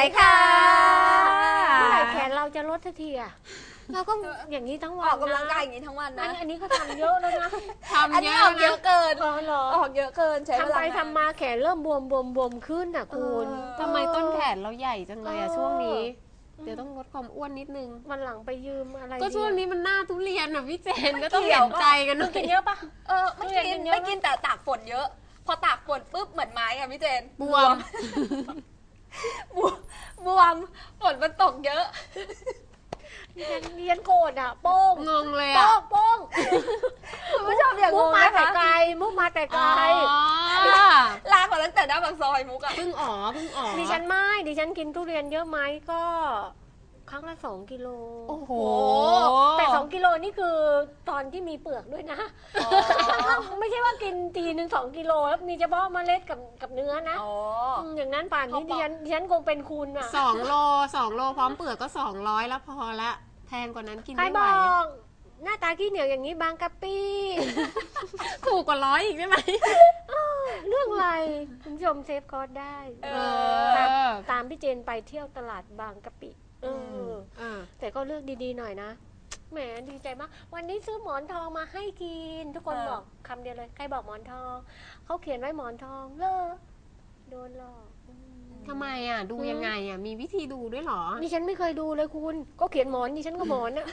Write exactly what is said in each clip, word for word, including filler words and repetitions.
ค่ะเมื่อไหร่แขนเราจะลดทันทีอะเราก็อย่างนี้ทั้งวันออกกำลังกายอย่างนี้ทั้งวันนะอันนี้เขาทำเยอะแล้วนะทำเยอะออกเยอะเกินอ๋อเหรอออกเยอะเกินใช้เวลาทำไปทำมาแขนเริ่มบวมบวมบวมขึ้นอ่ะคุณทำไมต้นแขนเราใหญ่จังเลยอะช่วงนี้เดี๋ยวต้องลดความอ้วนนิดนึงวันหลังไปยืมอะไรก็ช่วงนี้มันหน้าทุเรียนอะพี่เจนก็ต้องเห็นใจกันหน่อยกินเยอะปะเออไม่กินไม่กินแต่ตากฝนเยอะพอตากฝนปุ๊บเหมือนไม้อะพี่เจนบวมบวมบวมฝนมันตกเยอะเรียนเรียนโกรธอ่ะโป้งงงเลยอะโป้งโป้งคุณผู้ชมอย่างงงมานะคะแต่ไกลมุกมาแต่ไกลลากมาตั้งแต่หน้าปากซอยมุกอะเพิ่งอ๋อเพิ่งอ๋อดิฉันไม่ดิฉันกินทุเรียนเยอะไหมก็ครั้งละสองกิโลโอ้โหแต่สองกิโลนี่คือตอนที่มีเปลือกด้วยนะไม่ใช่ว่ากินทีหนึ่งสองกิโลแล้วมีเฉพาะเมล็ดกับกับเนื้อนะอย่างนั้นป่านนี้ดิฉันดิฉันคงเป็นคุณอ่ะสองโลสองโลพร้อมเปลือกก็สองร้อยแล้วพอละแพงกว่านั้นกินไม่ไหวใครบอกหน้าตาขี้เหนียวอย่างนี้บางกะปิถูกกว่าร้อยอีกได้ไหมเรื่องอะไรคุณผู้ชมเซฟคอร์สได้ตามพี่เจนไปเที่ยวตลาดบางกะปิเออแต่ก็เลือกดีๆหน่อยนะแหมดีใจมากวันนี้ซื้อหมอนทองมาให้กินทุกคนบอกคำเดียวเลยใครบอกหมอนทองเขาเขียนไว้หมอนทองเลอโดนหลอกทำไมอ่ะดูยังไงอ่ะมีวิธีดูด้วยหรอดิฉันไม่เคยดูเลยคุณก็เขียนหมอนดิฉันก็หมอนอ่ะ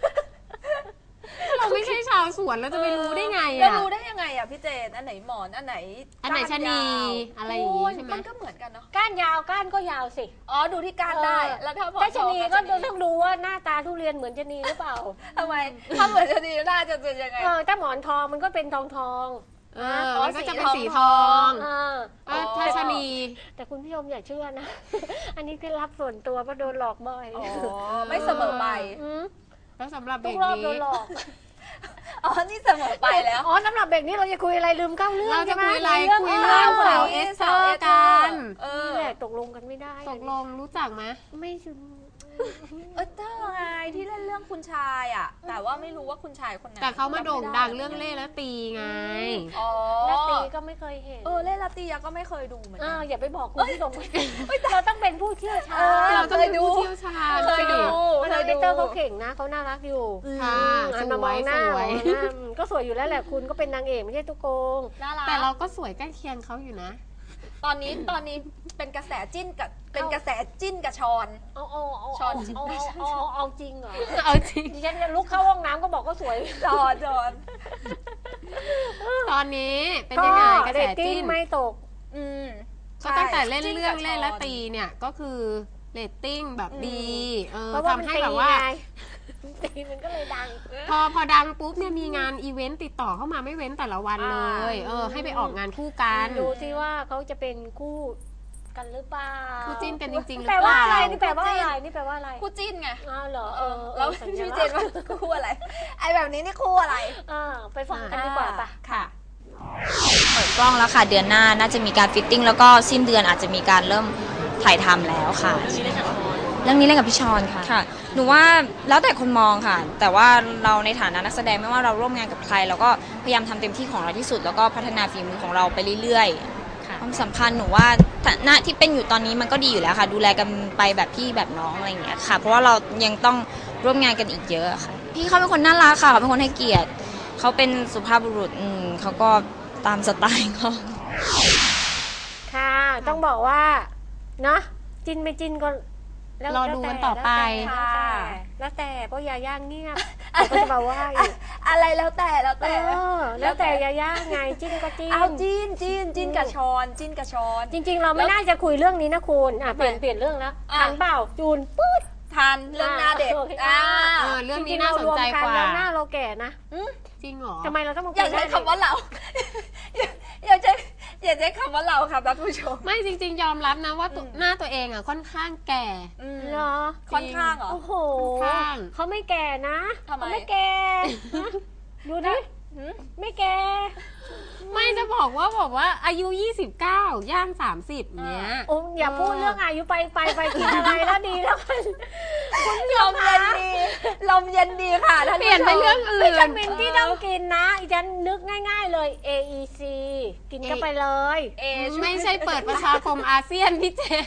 เราไม่ใช่ชาวสวนเราจะไปรู้ได้ไงอ่ะเรารู้ได้ยังไงอ่ะพี่เจนอันไหนหมอนอันไหนอันไหนชะนีอะไรอย่างงี้ใช่ไหมมันก็เหมือนกันเนาะก้านยาวก้านก็ยาวสิอ๋อดูที่ก้านได้แล้วถ้าหมอนชะนีก็ต้องดูว่าหน้าตาทุเรียนเหมือนชะนีหรือเปล่าทำไมถ้าเหมือนชะนีน่าจะเป็นยังไงเออถ้าหมอนทองมันก็เป็นทองทองอ๋อก็จะเป็นสีทองถ้าชะนีแต่คุณผู้ชมอย่าเชื่อนะอันนี้คือรับส่วนตัวเพราะโดนหลอกบ่อยไม่เสมอไปแล้วสำหรับเบรกนี้โดนหลอกอ๋อนี่เสมอไปแล้วอ๋อสำหรับเบรกนี้เราจะคุยอะไรลืมเข้าเรื่องเราจะคุยอะไรคุยเรื่องสาวเอสเตอร์กันนี่แหละตกลงกันไม่ได้ตกลงรู้จักไหมไม่เออเตอร์ไงที่เล่นเรื่องคุณชายอ่ะแต่ว่าไม่รู้ว่าคุณชายคนไหนแต่เขามาโด่งดังเรื่องเล่และตีไงอ๋อและตีก็ไม่เคยเห็นเออเล่และตีก็ไม่เคยดูเหมือนกันอย่าไปบอกคุณผู้ชมเราต้องเป็นผู้เชี่ยวชาญเราต้องเป็นผู้เชี่ยวชาญเคยดูเคยดูเตอร์เขาเก่งนะเขาน่ารักอยู่ค่ะสวยสวยก็สวยอยู่แล้วแหละคุณก็เป็นนางเอกไม่ใช่ตุ๊กโกงแต่เราก็สวยใกล้เคียงเขาอยู่นะตอนนี้ตอนนี้เป็นกระแสจิ้นกับเป็นกระแสจิ้นกับชอนเอาเอาเอาชอนเอาเอาเอาจริงเหรอเอาจริงดิฉันจะลุกเข้าห้องน้ำก็บอกก็สวยชอนชอนตอนนี้เป็นยังไงกระแสจิ้นไม่ตกอืมก็ตั้งแต่เล่นเรื่องเล่นและตีเนี่ยก็คือเรตติ้งแบบดีเออทำให้แบบว่าตีมันก็เลยดังพอพอดังปุ๊บเนี่ยมีงานอีเวนต์ติดต่อเข้ามาไม่เว้นแต่ละวันเลยเออให้ไปออกงานคู่กันดูซิว่าเขาจะเป็นคู่กันหรือเปล่าคู่จิ้นกันจริงๆหรือเปล่าแปลว่าอะไรนี่แปลว่าอะไรนี่แปลว่าอะไรคู่จิ้นไงอ้าวเหรอเออแล้วพี่เจนว่าคู่อะไรไอแบบนี้นี่คู่อะไรอ่าไปฟังกันดีกว่าป่ะค่ะเปิดกล้องแล้วค่ะเดือนหน้าน่าจะมีการฟิตติ้งแล้วก็สิ้นเดือนอาจจะมีการเริ่มถ่ายทำแล้วค่ะเรื่องนี้เล่นกับพี่ชอนค่ะค่ะหนูว่าแล้วแต่คนมองค่ะแต่ว่าเราในฐานะนักแสดงไม่ว่าเราร่วมงานกับใครเราก็พยายามทำเต็มที่ของเราที่สุดแล้วก็พัฒนาฝีมือของเราไปเรื่อยๆความสัมพันธ์หนูว่าณที่เป็นอยู่ตอนนี้มันก็ดีอยู่แล้วค่ะดูแลกันไปแบบพี่แบบน้องอะไรอย่างเงี้ยค่ะเพราะว่าเรายังต้องร่วมงานกันอีกเยอะค่ะพี่เขาเป็นคนน่ารักค่ะเขาเป็นคนให้เกียรติเขาเป็นสุภาพบุรุษอืมเขาก็ตามสไตล์เขาค่ะต้องบอกว่าเนาะจินไม่จินก็รอดูกันต่อไปแล้วแต่เพราะยาย่างเงียบก็จะมาว่าอีกอะไรแล้วแต่แล้วแต่แล้วแต่ยาย่าไงจิ้นก็จิ้นเอาจิ้นจิ้นจิ้นกับชอนจิ้นกับชอนจริงๆเราไม่น่าจะคุยเรื่องนี้นะคุณอ่ะเปลี่ยนเปลี่ยนเรื่องแล้วทันเปล่าจูนปื๊ดทันเรื่องหน้าเด็กอ่าเรื่องนี้น่าสนใจกว่าแล้วหน้าเราแก่นะจริงเหรอทำไมเราต้องมาอย่าใช้คำว่าเราอย่าใช้อย่าใช้คำว่าเราค่ะท่านผู้ชมไม่จริงๆยอมรับนะว่าหน้าตัวเองอ่ะค่อนข้างแก่เหรอค่อนข้างเหรอโอ้โหเขาไม่แก่นะเขาไม่แก่ดูดิไม่แก่ไม่จะบอกว่าบอกว่าอายุยี่สิบเก้าย่างสามสิบเนี้ยโอ้อย่าพูดเรื่องอายุไปไปไปกินอะไรแล้วดีแล้วคุณลมเย็นดีลมเย็นดีค่ะเปลี่ยนไปเรื่องอื่นวิตามินที่ต้องกินนะอีจันนึกง่ายๆเลย เอ อี ซี กินก็ไปเลยไม่ใช่เปิดประชาคมอาเซียนพี่เจน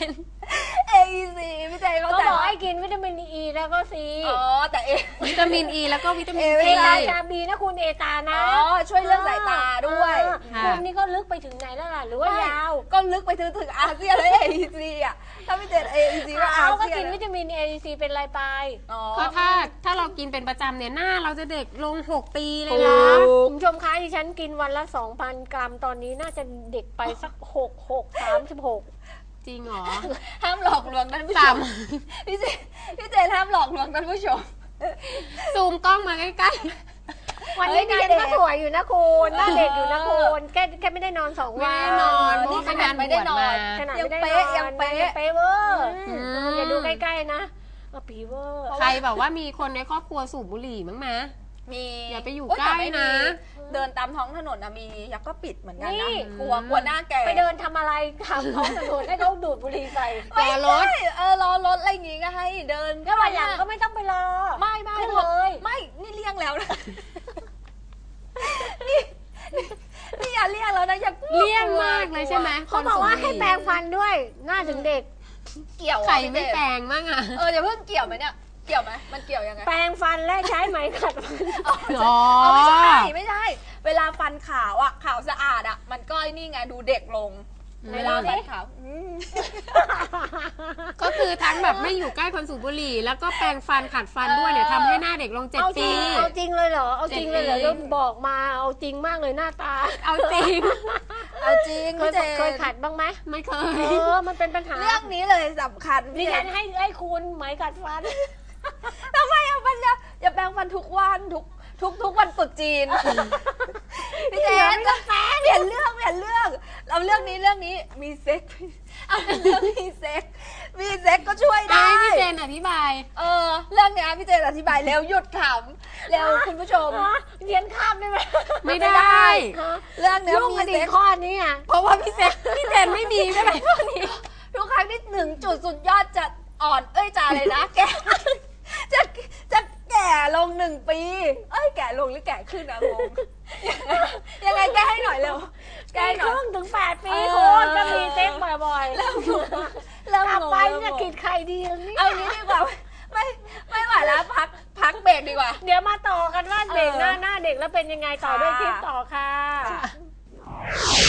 เอ อี ซี พี่เจนเขาเข้าใจบอกว่าให้กินวิตามินอีแล้วก็ซีอ๋อแต่เอวิตามินอีแล้วก็วิตามินเอเอซีตาชาบีนะคุณเอตานะอ๋อช่วยเรื่องสายตาด้วยอ่าคุณนี่ก็ลึกไปถึงไหนแล้วล่ะหรือว่ายาวก็ลึกไปถึงถึงอาเซียนและ เอ อี ซี อ่ะถ้าพี่เจน เอ อี ซี ก็อาเอาก็เซียกินนวิตามินเอซีเป็นไรไปอ๋อก็ถ้าถ้าเรากินเป็นประจำเนี่ยหน้าเราจะเด็กลงหกปีเลยนะนะคุณผู้ชมคะดิฉันกินวันละ สองพัน กรัมตอนนี้น่าจะเด็กไปสักหก หก สามสิบหกจริงเหรอห้ามหลอกลวงท่านผู้ชสามมพี่เจนพี่เจนห้ามหลอกลวงท่านผู้ชมซูมกล้องมาใกล้วันนี้เฮ้ดิยฉันหน้าเด็ก็กสวยอยู่นะคุณหน้าเด็กอยู่นะคุณแค่แค่ไม่ได้นอนสองๆ ไม่วันได้นอนเพราะนี่ว่าขไปนาดงานไม่บได้วชนอมานขนาดยังไม่ได้เป๊ะนอนยังเป๊ะยังเป๊ะเวอร์อืมเอออย่าดูใกล้ๆนะเอาปีเวอร์ใครแบบว่ามีคนในครอบครัวสูบบุหรี่มั้งไหมมีอย่าไปอยู่โแต่ใกล้ไม่มีนะเดินตามท้องถนนนะมียักษ์ก็ปิดเหมือนกันนี่นะกลัวกลัวหน้าแก่ไปเดินทำอะไรทำท้องถนนให้เขาดูดบุหรี่ใส่ไม่รอรถใช่เออรอรถอะไรอย่างงี้ก็ให้เดินก็วันหลังก็ไม่ต้องไปรอไม่ไม่ขึ้นพอเลยไม่นี่เลี่ยงแล้วนะนี่นี่อย่าเลี่ยงแล้วนะอย่าเลี่ยงมากเลยใช่ไหมเขาบอกว่าให้แปรงฟันด้วยหน้าถึงเด็กเกี่ยวใครอะไม่พี่แปเจลงบ้างอ่ะเออเดี๋ยวเพิ่งเกี่ยวไหมเนี่ยเกี่ยวไหมมันเกี่ยวยังไงแปรงฟันและใช้ไหมขัดฟันอ๋ออ๋อไม่ใช่ไม่ใช่ เวลาฟันขาวอ่ะขาวสะอาดอ่ะ มันก็ไอ้นี่ไงดูเด็กลงอืมเวลาฟันขาวอืมก็คือทั้งแบบไม่อยู่ใกล้คนสูบบุหรี่ แล้วก็แปรงฟันขัดฟันด้วยเนี่ยทำให้หน้าเด็กลงเจ็ดเอาจปีริงเอาจริงเลยเหรอเอาจริงเลยเหรอเจ็ดปีแล้วบอกมาเอาจริงมากเลยหน้าตาเอาจริงเอาจริงเคยพี่เจนเคยขัดบ้างไหมไม่เคเอย อมันเป็นปัญหาเรื่องนี้เลยสำคัญดิพี่เจฉันนให้ให้คุณไหมขัดฟันทำไมอ่ะมันจะอย่าแปรงฟันทุกวันทุกทุกทุกวันตรุษจีนพี่เจนก็แปรงเปลี่ยนเรื่องเปลี่ยนเรื่องเราเรื่องนี้เรื่องนี้มีเซ็กเอาเรื่องมีเซ็กมีเซ็กก็ช่วยได้ได้พี่เจนอธิบายเออเรื่องเนี้ยพี่เจนอธิบายเร็วหยุดขำเร็วคุณผู้ชมเรียนข้ามได้ไหมไม่ได้ฮะเรื่องเนี้ยยุ่งมีกันอีเซ็กกข้อนี้อ่ะเพราะว่าพี่เจนพี่เจนไม่มีใช่ไหมพวกนี้ทุกครั้งที่ถึงจุดสุดยอดจะอ่อนเอ้ยจะอะไรนะแก่จะจะแก่ลงหนึ่งปี เอ้ยแก่ลงหรือแก่ขึ้นนะงงยังไงแก้ให้หน่อยเร็วแก้ปีให้หคน่อยรึ่งถึงแปดปีเออคุณก็มีเซ็กบ่อยๆเริ่มงงกลับงงไปเริ่มจะงงกินใครดีล่ะเนี่ยเอางี้ดีกว่าไม่ไม่ไหวแล้วพักพักเบรกดีกว่าเดี๋ยวมาต่อกันว่าเด็กเออหน้าหน้าเด็กแล้วเป็นยังไงต่อด้วยค่ะคลิปต่อค่ะ